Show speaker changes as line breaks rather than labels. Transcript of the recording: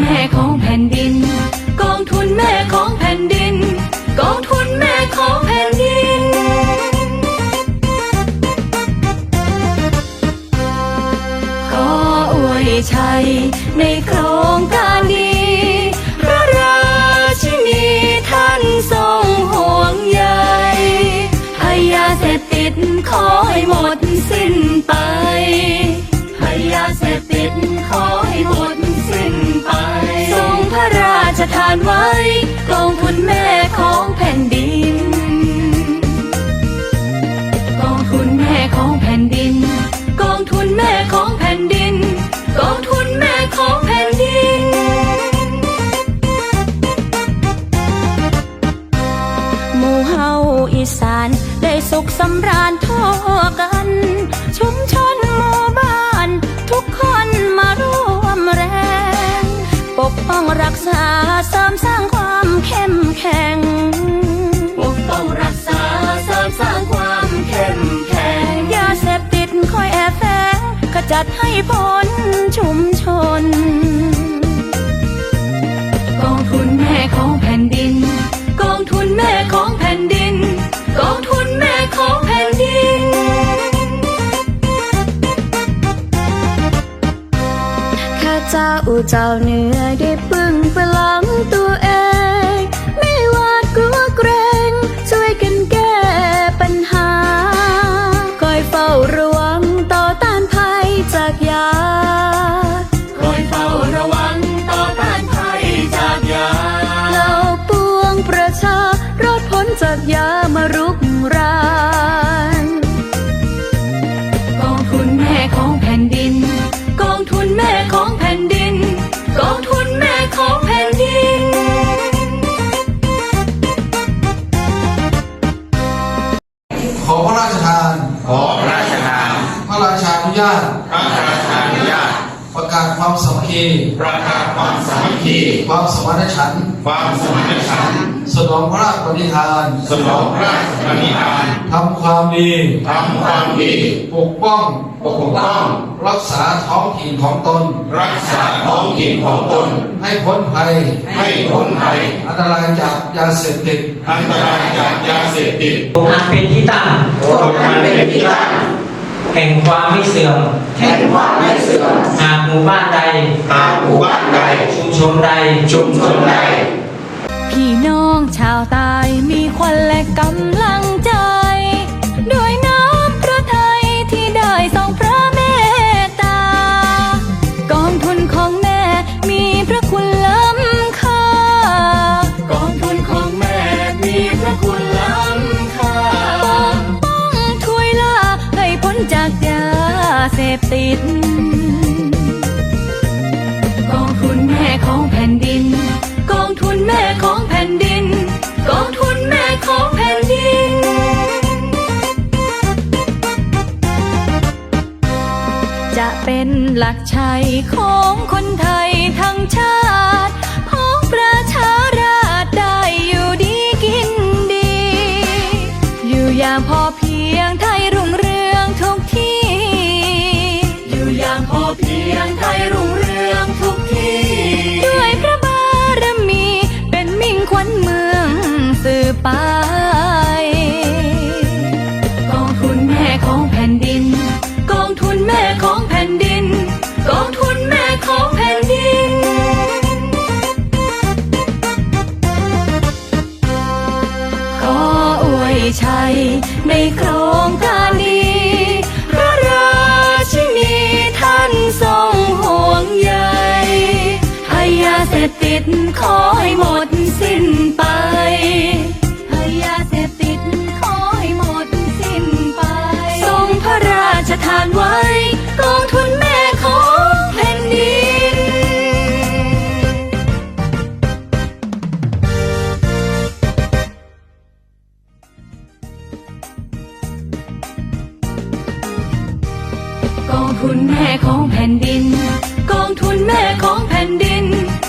ม่ของแผ่นดินกองทุนแม่ของแผ่นดินกองทุนแม่ของแผ่นดินขออวยชัยในโครงการดีพระราชินีท่านทรงห่วงใยให้ยาเสพติดขอให้หมดสิ้นไปให้ยาเสพติดขอให้หมดสิ้นไปทรงพระราชทานไว้กองทุนแม่ของแผ่นดินกองทุนแม่ของแผ่นดินกองทุนแม่ของแผ่นดินกองทุนแม่ของแผ่นดินหมู่เฮาอีสานได้สุขสำราญทั่วกันชุมชนหมู่บ้านทุกคนมาร่วมแรงปกป้องรักษาเสริมสร้างความเข้มแข็งปกป้องรักษาเสริมสร้างความเข้มแข็งยาเสพติดคอยแอบแฝงขจัดให้พ้นชุมชนกองทุนแม่ของแผ่นดินกองทุนแม่ของแผ่นดินกองทุนแม่ของแผ่นดินข้าเจ้าเจ้าเหนือได้พึ่งพลังตัวเองไม่หวาดกลัวเกรงช่วยกันแก้ปัญหาคอยเฝ้าระวังต่อต้านภัยจากยาคอยเฝ้าระวังต่อต้านภัยจากยาเราปวงประชารอดพ้นจากยามารุกรานกองทุนแม่ของแผ่นดินกองทุนแม่ของแผ่นดินกองทุนแม่ของแผ่นดิน
ขอพระราชทาน
ขอพระราชทาน
พระราชานุญาต
พระราชานุญาต
ประกาศความสามัคคี
ประกาศความสามัคคี
ความสมานฉันท์
ความสมานฉันท์
สนองพระราชปณิธาน
สนองพระราชปณิธาน
ทำความดี
ทำความดี
ปกป้อง
รักษาท้องถิ่นของตน
ให้พ้นภัยอันตรายจากยาเสพติด
อัน
เป็นที่ตั้งแห่งความไม่เสื่อมหากหมู่บ้านใดชุมชนใด
พี่น้องชาวใต้มีควันและกำลังใจด้วยน้ำพระทัยที่ได้ทรงพระเมตตากองทุนของแม่มีพระคุณล้ำค่ากองทุนของแม่มีพระคุณล้ำค่าปกป้องถ้วยล่าให้พ้นจากยาเสพติดกองทุนแม่ของแผ่นดินกองทุนแม่ของแผ่นดินกองทุนแม่ของแผ่นดินจะเป็นหลักชัยของคนไทยทั้งชาติของประชาราษฎร์ได้อยู่ดีกินดีอยู่อย่างพอเพียงไทยรุ่งเรืองทุกที่อยู่อย่างพอเพียงไทยรุ่งเรืองทุกที่ด้วยพระบารมีเป็นมิ่งขวัญเมืองสืบไปกองทุนแม่ของแผ่นดินกองทุนแม่ของแผ่นดินกองทุนแม่ของแผ่นดินขออวยชัยในโครงการดีพระราชินีท่านทรงห่วงใยให้ยาเสพติดขอให้หมดสิ้นไปให้ยาเสพติดขอให้หมดสิ้นไปทรงพระราชทานไว้กองทุนแม่ของแผ่นดินกองทุนแม่ของแผ่นดินกองทุนแม่ของแผ่นดิน